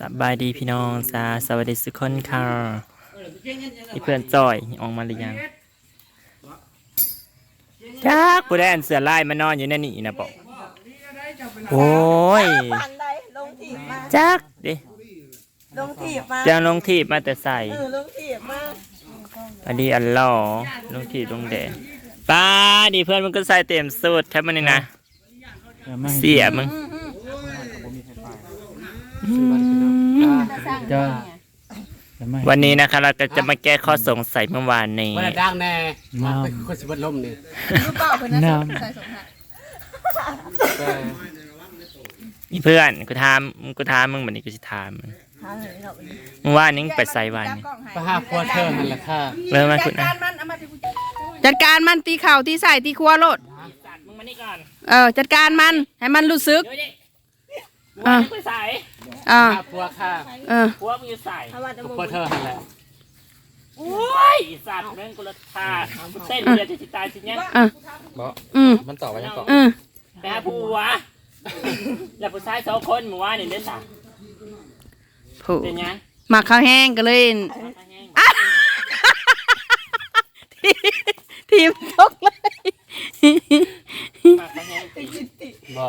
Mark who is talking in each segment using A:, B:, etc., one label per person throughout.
A: สบายดีพี่น้องจ้าสวัสดีทุกคนค่ะนี่เพื่อนจอยออกมาหรือยังจ้าผู้ได้อันเสือลายมานอนอยู่ในนี่นะบอกโอ้ยจักดิ
B: ลงถีบมา
A: จะลงทีบมาแต่ใส่
B: ลงถีบมา
A: อันนี้อันล่อลงทีบลงแดดป้าดิเพื่อนมึงก็ใส่เต็มสูตรแทบมันนี่นะเสียมึงวันนี้นะคะเราก็จะมาแก้ข้อสงสัยเมื่อวานนี้
C: วันดังแน่มาเป็นคนสิบลมนี่
B: รู้เปล่าเพื่อนนะใส่สมหั
A: สเพื่อนกูถามมึงแบบนี้กูจะถามมึงเมื่อวานนี้ไปใส่วันนี้
C: ไปหาพัวเธอนั่นแหละค่ะ
A: เริ่มมาคุณนะ
D: จัดการมันตีเข่าตีใส่ตีครัวโลด
A: มึงมานี่ก่อน
D: จัดการมันให้มันรู้สึก
A: ไปใส่
C: พัวค่ะ
A: พัวมึงอยู่ใส่
C: พัวเธอนั่นแหละ
A: โอ้ยสัตว์แม่งกุลธาเส้นเดียวจะตายสิเนี่ย
C: มันต่อไปยังต่อ
A: ไปหาผัวแล้วผู้ชาย2 คนหมู่ว่านี่เด้อจ้ะเป็นยัง
D: หมักข้าวแห้งก็เลยทีมตกเลย
A: หมักข้าวแห้ง
C: บ่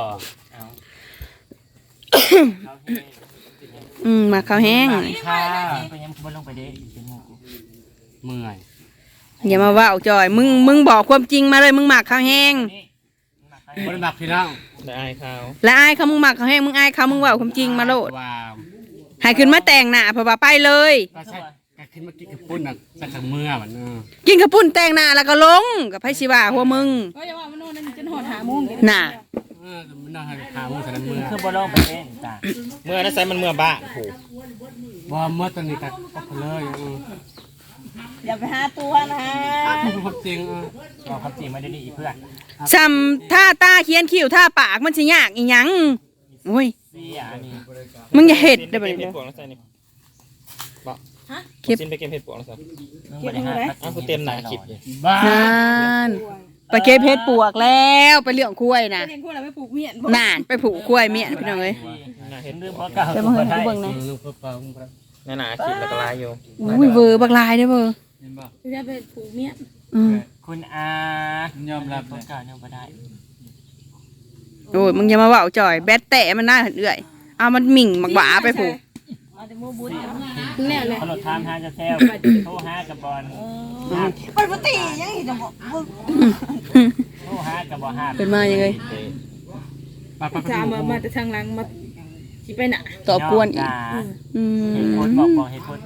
D: หมักข้าวแห้ง
C: ค่ะ
A: ไปยังบนลงไปเด้
C: เมื่อย
D: อย่ามาว่าจอยมึงบอกความจริงมาเลยมึงหมักข้าวแห้ง
C: บ่ได้หมักพี่น้อง
A: และอาย
D: เขามึงหมักข้าวแห้งมึงอายเขามึงว่าความจริงมาโลดให้ขึ้นมาแต่งหน้าเพราะว่าไปเลย
C: ก็ใช่ก็ขึ้นมากินกระปุ้นน่ะสักครั้งเมื่อมัน
D: กินกระปุ้นแต่งหน้าแล้วก็ลงกับไผสิว่าหัวมึง
B: อย่าว่ามันโน่นนั่นจนหอดหาโมง
D: น่ะ
C: มันน่าหาโมงสันเมื่อ
A: คือบอลงไปเองจ้ะเมื่อนั้นใส่มันเมื่อบ้าโห
C: บ่เมื่อตอนนี้ก็เลย
B: อย่าไปหาตัวนะ
C: ความจริง
A: ความจริงไม่ได้ดีเพื่อน
D: ซ้ำท่าตาเขียนคิ้วท่าปากมันสิยากอีหยังโอ้ยมึงอย่าเห็ดได้บ่เนี่ย
A: คลิปไปเก็บเห็ดปวกแล้วสิเก็บอะไรกูเต็มหนาคลิปเลย
D: นั่นไปเก็บเห็ดปวกแล้วไปเลี้ยงกล้วยนะ
B: ไปปลูกเมียน
D: น่านไปปลูกกล้วยเมียนพี่น้องเอ้ย
A: เห็นเรื่องเพราะเก่า
D: จะมาเห็นเบิ่งนะ
A: หนาคลิปแล้วก็ลายอยู่
D: อุ้ยเบอร์บักลายได้เบอร์
B: จะไปปลูกเมียน
A: คุณอาย
C: อมรับ
A: เก่ายอมไม่ได้
D: โอ้ยมึงอย่ามาว่าจ่อยแบตแตะมันน่าเอื่อยเอามันหมิ่งมักหวาไปผูก
B: เนี่ยเลย
A: ขนมทามหาจะแซวโทรหากับบอล
B: ปกติยังเห็นจะบอก
A: โทรหากับบอลห้า
D: เป็นมายังไง
B: จะมาแต่ทางหลังมาที่ไปน่ะ
D: ตอบกวนอีก
A: เหตุผลบอกเหตุผล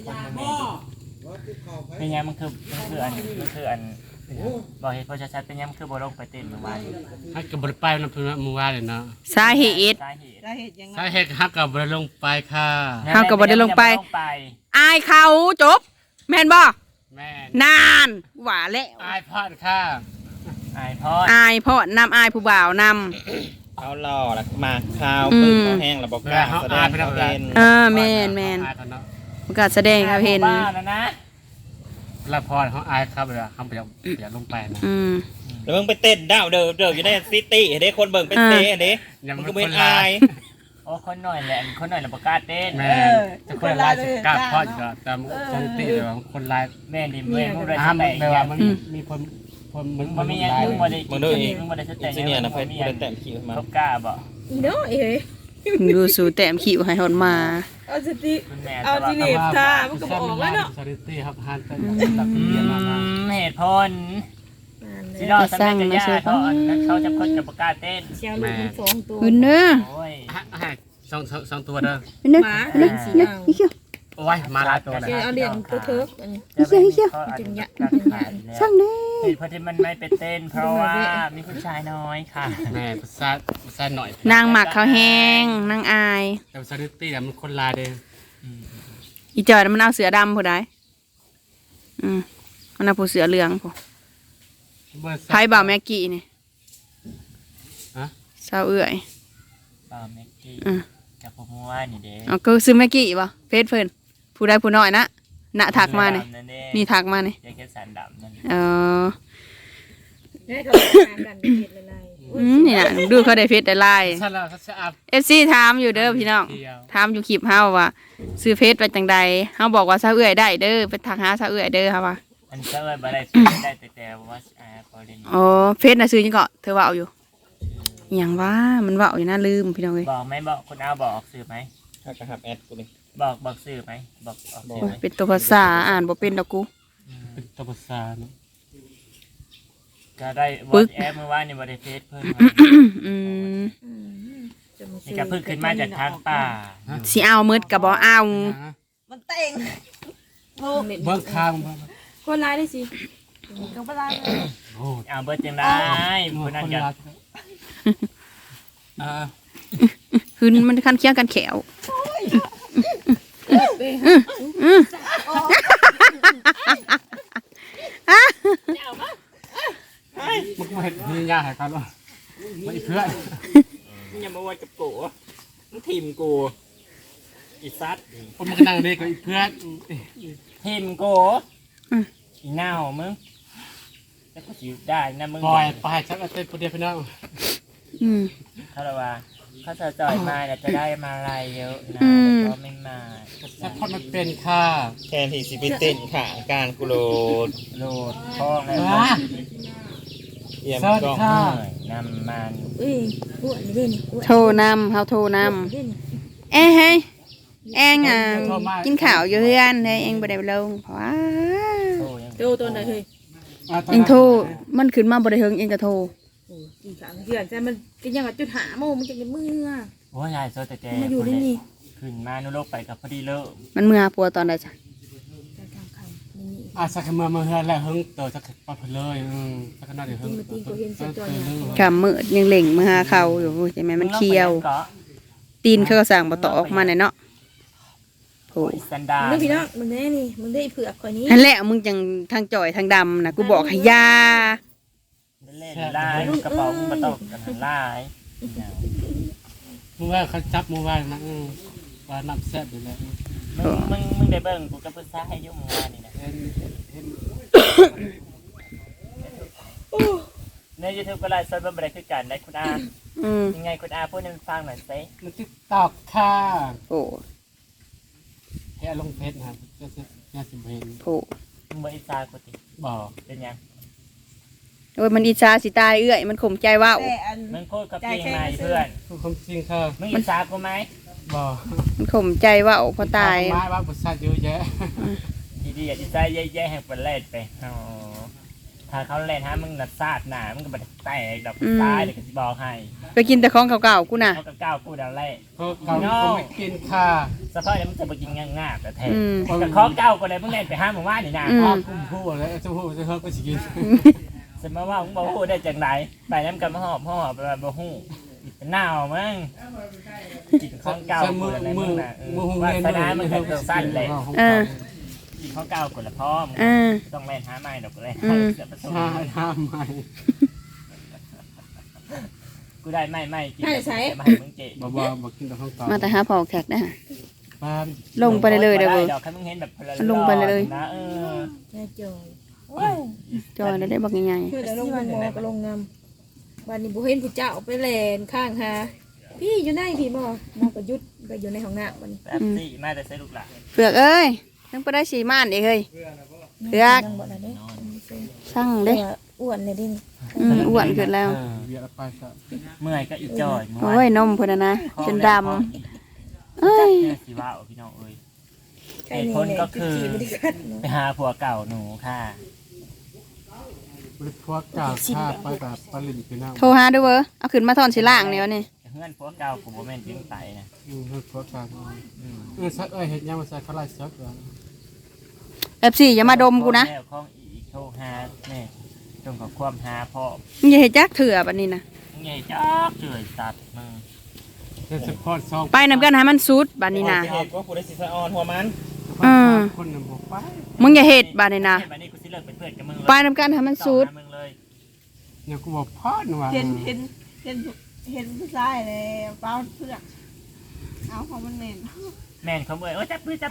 A: เป็นยังมันคืออันบอกเหตุผลชัดๆเป็นยังมันคือบอลลงไปเต้นเมื่อวาน
C: ให้กับบอลไปนะเพื่อนเมื่อวานเลยเนาะ
D: สาเหตุ
C: ฮักกับบอลลงไปค่ะ
D: ฮักกับบอลลงไปอายเขาจบแม่นบ่
C: แม่
D: นานหวาแล้ว
C: อายพอดค่ะ
A: อาย
D: พอดนำอายผู้บ่าวน
A: ำเขาหล่อแล้วมาข้าวปืนเขาแห้งแล้วบอกกล้าแสดงเขาเห็น
D: แม่นประกาศแสดงเขาเห็น
C: ละพรเขาอายครับเลยเขาอยากลงไปนะ
A: แล้วมึงไปเต้นดาวเดิมอยู่ในซิตี้เห็นได้คนเบิ่งเป็นเต้เห็นได้มึงก็เป็นอายโอ้คนหน่อยแหละคนหน่อยเราประกาศเต้น
C: แม่จะคนลายกล้าพอดก็ตามซิตี้เดี๋ยวคนลาย
A: แม่ดิแม่มึงเลย
C: แต่ว่ามันมีคน
A: มันมีอย่างมึงมาได้มึงมาได้แต่งเนี่ยนะเพื่อนมาได้แต่งคิวมาเขากล้าบ่
B: เนาะเอ้ย
D: ดูสูแต้มขิวให้หอนมา
B: เอาสติเอาจีเนฟท่ามันก็บอกว่าเนาะ
C: สติครับฮันเป็น
A: เหตุผลที่เราสร้างมาเชื่อเขาจะคนกับประกาศเต้น
B: เชียวลูกมัน2 ตัว
D: คุณเด้อ
C: สองตัวเด้อ
B: หมา
C: โอ้ยมาลาตัวเลย
B: เอาเหรียญตัวเถิก
D: จึงยะช่างเด้
A: เพราะที่มันไม่ไปเต้นเพราะว่ามีผู้ชายน้อยค่ะ
C: แม่ผู้ชายหน่อย
D: นางหมักเขาแห้งนางอาย
C: แต่สถิติมันคนลายเด้
D: อีจอยมันเอาเสือดำผู้ใดมันเอาผู้เสือเหลืองผู้ไพ่บ่าวแม็กกี้นี่สาวเอื่อย
A: บ่าวแม็กกี้กับผมว่านี่เด้
D: ก็ซื้อแม็กกี้ป่ะเฟซเพิ่นผู้ใดผู้น้อยนะณถักมาเนี่ยนี่ถักมาเนี่ย
A: แค่สันดำนั่น
D: ได้เขา
B: กันเห็นอะไร
D: นี่น่ะดูเขาได้เฟซได้ไลน์
C: ฉันละเขาจะอาบ
D: FC ถามอยู่เด้อพี่น้อง
C: เดียว
D: ถามอยู่คลิปเฮาว่าซื้อเฟซไปจังใดเฮาบอกว่าซะเอื้อยได้เด้อไปทักหาซะเอื้อยเด้อค่ะว่า
A: อันเซอร์บ่ได้ได้แต่ว่าพอเล่น
D: อ๋อเฟซน่ะซื้อจังก็เธอเว้าอยู่อิหยังว่ามันเว้าอยู่น่าลืมพี่น้องเอ้ย
A: บอกไหมบอกคุณเอาบอกสื่อไหม
E: ถ้ากระหับแอดกูนี่
A: บอกสื่อไหมบอกออกสื่อ
D: โอ้ย
A: ไหม
D: เป็นตัวภาษาอ่านบ่เป็นดอกกู
C: เป็นตัวภาษาเนาะ
A: ก็ได้วอทแอปเมื่อวานนี่บริเฟซเพิ่น
D: อืม
A: นี่ก็เพิ่งขึ้นมาจากทางป่า
D: สิเอามืดก็บ่เอา
B: มันเต็ง
C: เบิ้งคาง
B: คนร้ายได้สิก็ไม่ได้
C: โอ้
A: เอาเบิร์ดจังได้คนนั้นก็
D: คือมันคันเคียงกันแขว
C: มึงมาเห็นมียาหายกันวะไม่เพื่อน
A: อย่ามาวัดกับกูมึงทีมกูอีซัด
C: ผมมันนั่งเด็กกับเพื่อน
A: ทีมกูอีเน่ามึงแล้วก็สิได้นะมึง
C: ปล่อยไปชักเต้นคนเดียวพี่น้อง
D: อืม
A: เขาเลยว่าเขาจะจ่อยมาเนี่ยจะได้มาอะไรเยอะนะ
D: อืม
A: แต่ก็ไม่มา
C: สักคนมันเป็นค่ะ
E: แทนที่สิไปเต้นขาการกูโลด
A: โหลดท้องแล้ว
C: ว้า
E: เยี่ยม
C: สวัส
E: ก
C: ดี
E: ล้อง
C: ค่ะ
A: น้ำมัน
B: อุ้ยอ้วนนี่เด่นอ้วน
D: โทรนำเฮาโทรนำ
B: เด่น
D: เอ้ยเฮ้ยแองอ่ะกินข้าวอยู่เฮือนเฮ้ยเองบ่ได้ลงเพราะว่า
A: โอ้ยัง
B: โตตัวไหนเฮ้ย
D: เองโทรมันขึ้นมาบ่ได้เฮิงเองก็โทร
B: โอ้อีกสามเดือนแต่มันก็ยังจุดหาโมมันจะเป็นมือ
A: โอ้ยายโซแต่แก
B: มาอยู่ได้นี่
A: ขึ้นมานุโลกไปกับพอดีเลิก
D: มันเมื่อปัวตอนใดจ้ะ
C: สักมาเฮือนแล้วเฮิงเติร์สักปับเลยสักน่าจะเฮิง
D: กำมืดยังเหล่งมาหาเขาอยู่ใช่ไหมมันเคี้ยว ตีนเขาก็สั่งบ่ต่อออกมาเนี่ยเนาะโห
A: สันดา
B: มึงพี่น้องมึงได้นี่มึงได้เผือกคนนี้
D: นั่นแหละมึงจังทางจ่อยทางดำนะกูบอกให้ยา
A: เล่นลายกระเป๋ามึงมาตกกันลาย
C: มึงว่าเขาจับมึงว่านะว่าน้ำแซ่บอยู่แล้ว
A: มึงได้เบิ่งกูกับเพื่อนซ่าให้ยุ่งมานี่นะ
C: เห็น
A: ในยูทูบก็ไลฟ์สดบริคือกันได้คุณอา
D: อืม
A: ยังไงคุณอาพูดให้มันฟังหน่อยสิ
C: มันติ๊กตอกค่ะ
D: โอ้
C: แค่ลงเพชรนะครับจะสิบเห็น
D: โห
A: มึงบอกอิจฉากูติ
C: บอก
A: เป็นยัง
D: โอ้ยมันอิจฉาสิตายเอื้อยมันข่มใจว่าว
A: มึงพูดกับจริงไหมเพื่อน
C: คือความจริงค่ะ
A: มึงอิจฉากูไหม
C: บอก
D: มันข่มใจว่าวพอตาย
C: ไม้ว่าบุษราเยอะแยะ
A: ดีๆอิจฉาแย่ๆให้เป็นเล่นไปอ๋อถ้าเขาเล่นฮะมึงนัดซาดหนามึงก็บัดแตกดอกตายเดี๋ยวก็จะบอกให้
D: ไปกินแต่ของเก่าๆกูน่ะ
A: เขาก็ก้าวกูดันเล่
C: ก็เกาก็ไม่กินค่ะ
A: สภาพเนี่ยมึงจะไปกินง่ายๆแต่แท้
D: อืม
A: กับของเก้าก็เลยมึงเล่นไปห้ามมึงว่านี่นะ
D: อืม
C: พ่อคุ้มพูดแล้วจะพูดจะเฮิร์ก็สิกิน
A: สมมติว่ามึงบอกพูดได้จากไหนไปน้ำกันมาหอบไปแบบบ่ฮู้เป็นหนาวมั้งกินของเก่ากูเลยมึงน่ะว่าสนามมึงเป็นตัวสั้นเลย
D: เออ
A: กินของเก่ากูละพ่อมึง
D: เออ
A: ต้องเล่นหาไม้ดอกเลย
D: อืม
A: เสียประตู
C: ชาทำไม
A: กูได้ไม่กินมาให้มึงเจ๊
C: บอกกินแต่ข้าวเปล่า
D: มาแต่หาพอแขกนะ
C: บ้าน
D: ลงไปเลยเด้อเว้ย
A: ดอกให้มึงเห็นแบบ
D: ลงไปเลย
A: นะ
B: แม่จอย
D: จอยได้บักใหญ่
B: เพื่อแต่ลงมอก็ลงนำวันนี้บุเห็นผู้เจ้าไปแลนข้างหาพี่อยู่ไหนพี่มอมอประยุทธ์ก็อยู่ในห้องน้ำวันนี้
A: แบบสี่มาแต่ใส่ลูกหลาน
D: ๆเผือกเอ้ยยังไปได้สีม่านอีกเฮ้ยเผือก
B: นั่งบ่ได้เด้
D: สั่งเด้
B: อ้วนเลยดิ
D: อ้วนขึ้นแล้ว
C: เบียร์ไปซะ
A: เมื่อยก็อีจอย
D: โอ้ยนมพุ่นน่ะนะจนดำเอ้ย
A: สิว่าพี่น้องเอ้ย
B: ใช่นี่
A: ไปหาผัวเก่าหนูค่ะ
C: บริพวกกาชาไปกับปลินพี่น้อง
D: โทรหาด้วยเว้อเอาขึ้นมาทอนสิล่างเดี๋ยวนี่
A: เพื่อนผัวเก่ากูบ่แม่นจิ้งไตนะ
C: บริพวกกาสักเห็ดยังมาใส่ข้าวไรซักเหรอ
D: FC อย่ามาดมกูนะ
A: แล้วของอีโชหาแม่จงกับความหาพ่อ
D: มึงอย่าเฮ็ดจักเถื่อบัดนี้นะ
A: มึงใหญ่จักเจยตัดมึง
C: จะสปอร์ตซอง
D: ไปนำกันให้มันสุดบัดนี้นะ
E: เหตุว่าผู้ได้สิสะออนหัวมัน
C: คนหนึ่งบอกไป
D: มึงอย่าเฮ็ดบัดนี้นะ
A: บัดนี้กูสิเลิกเป็นเพื่อนกับมึงเลย
D: ไปนำกันให้มันสุด
A: มึงเลย
C: เนี่ยกูบอกพ่อหนูว่า
F: เห็นผู้ชายเลยเป้าเพื่อกเอาของมันเน่น
A: แม่นเขาเมื่อยโอ้จับมือ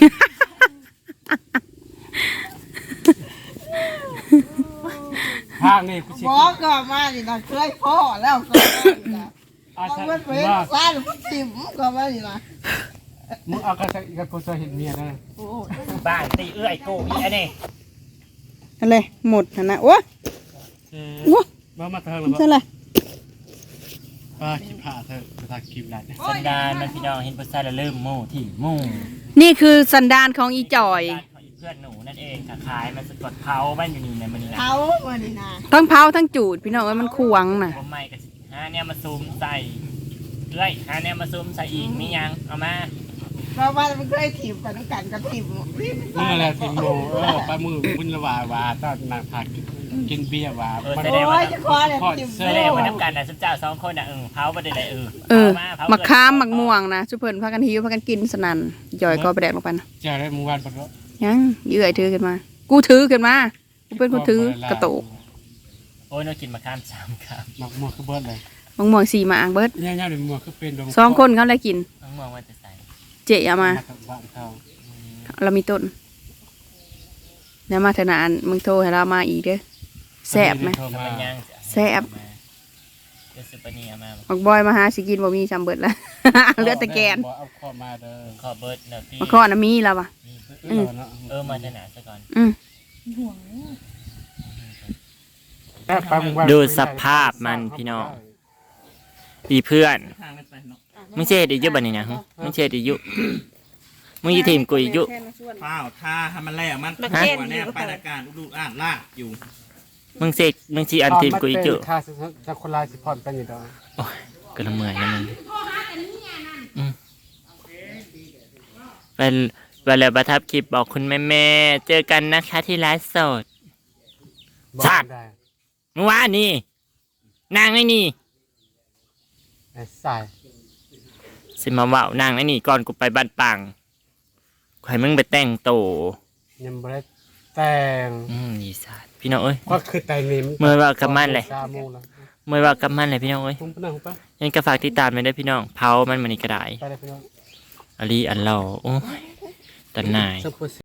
C: พาข้างนี่กูสิ
F: บอกก็มานี่นะเคยพ่อแล้วก็นะ
C: อา
F: เอา
C: ใช่
F: เงินไป
C: ว่า
F: ร้านผู้ทิมก็มานี่นะ
C: มึงเอากระสังกับกูจะเห็นเมียนะ
F: โอ้
A: บ้านตีเอื้อยกูอีอันนี้
D: อะไรหมดหั่นนะโอ้
C: มาเธอหรื
D: มัน
C: อ
D: ใช่อะไร
C: ว่าคิดผ่าเธอจะทาคิมไร
A: สันดานมันพี่น้องเห็นผู้ชายแล้วลืมหมู่ที่หมู่
D: นี่คือสันดานของอีจอย
A: บ้านของอีเพื่อนหนูนั่นเองค่ะขายมันสะกดเผาบ้านอยู่นี่ในมันนี่นะ
F: เขามานี่นะ
D: ทั้งเผาทั้งจูดพี่น้องเอ้ยมันควงน่ะ
A: ผมไม่กับหาเนี่ยมาซูมใส่เอ้ยหาเนี่ยมาซูมใส่อีกมียังเอามา
F: เพราะว่ามันเคยถีบกันต้องกันก็ถีบ
C: นี่แหละทีมโมปลาหมึกบุญละวาตอนนางพากินเบียร์วา
F: โอ้ยจะคอเลยถีบ
A: ไม่ได้มานับกันนะสุเจ้าสองคนนะเผาไปได้เลย
D: มักขามมักม่วงนะชุเพิ่นพากันหิวพากันกินสนั่นจอยก็ไปแดกลงไปนะ
C: เจอได้เมื่อวานปะเนาะ
D: ยังเยื่อยถือขึ้นมา กูถือขึ้นมากูเป็นคนถือกระโตก
A: โอ้ยเรากินมาข้ามสามครับ
C: หมักมัวคือเบิร์ดเลย
D: มังม่วงสีมาอ่างเบิด
C: เนี่ยเนี่ยเดี๋ยวมัวคือเป็น
D: สองคนเขาเลยกิน
A: น้องมองว่าจะใส่
D: เจเอามา
C: บ้านเขา
D: เรามีต้นแล้วมาเถอะนะอันมึงโทรให้เรามาอีกเด้อแซ่บไหม
A: ทำเป็นย่าง
D: แซ่บ
A: เดี๋ยวซื้อปนีมา
D: บักบอยมาหาสิกินบ่มีจำเบิดแล้ว เหลือแต่แกน
C: เอาข้อมาเด้อ
A: ขอเบิร์ดเนอะพี่
D: มาข้อน่ะมีแล้ววะ
A: มาจะหนาซะก่อน
D: อืม
A: ดูสภาพมันพี่น้อง อีเพื่อนมึงเช็ดอีกยุบันนี่นะมึงเช็ดอีกยุมึงยีทีมกูอีกยุ
E: เปล่าท่าให้มันแล่มันตัวเนี่ยไปอาการอุดอ่านลากอยู่
A: มึงเช็ดมึงชีอันทีมกูอีกยุ
C: ค่าจะคนลายสิพอนเป็นอยู่ดอก
A: โอ้ยก็ละเมื่อยนะมึงไปแล้วประทับคลิปบอกคุณแม่เจอกันนะคะที่ไลฟ์สด ชาติ เมื่อวานนี่นางไอ้นี่
C: ไอ้สาย
A: สิมาว่านางไอ้นี่ก่อนกูไปบ้านปังใครมึงไปแต่งโต
C: ยังบ่ได้แต่ง
A: ดีสัตว์พี่น้องเอ้ย
C: ก็คือแต่งนี่
A: เมื่อว่ากับมันเลย
C: 3 โมงแล้ว
A: เมื่อว่ากับมันเลยพี่น้องเอ้ย
C: ผมไปนั่งไป
A: ยังกระฝากติดตามไปด้วยพี่น้องเผามันมันนี่ก็ได้
C: ไปเลยพี่น้อง
A: อลีอันเราโอ้ยตันนาย
C: สัก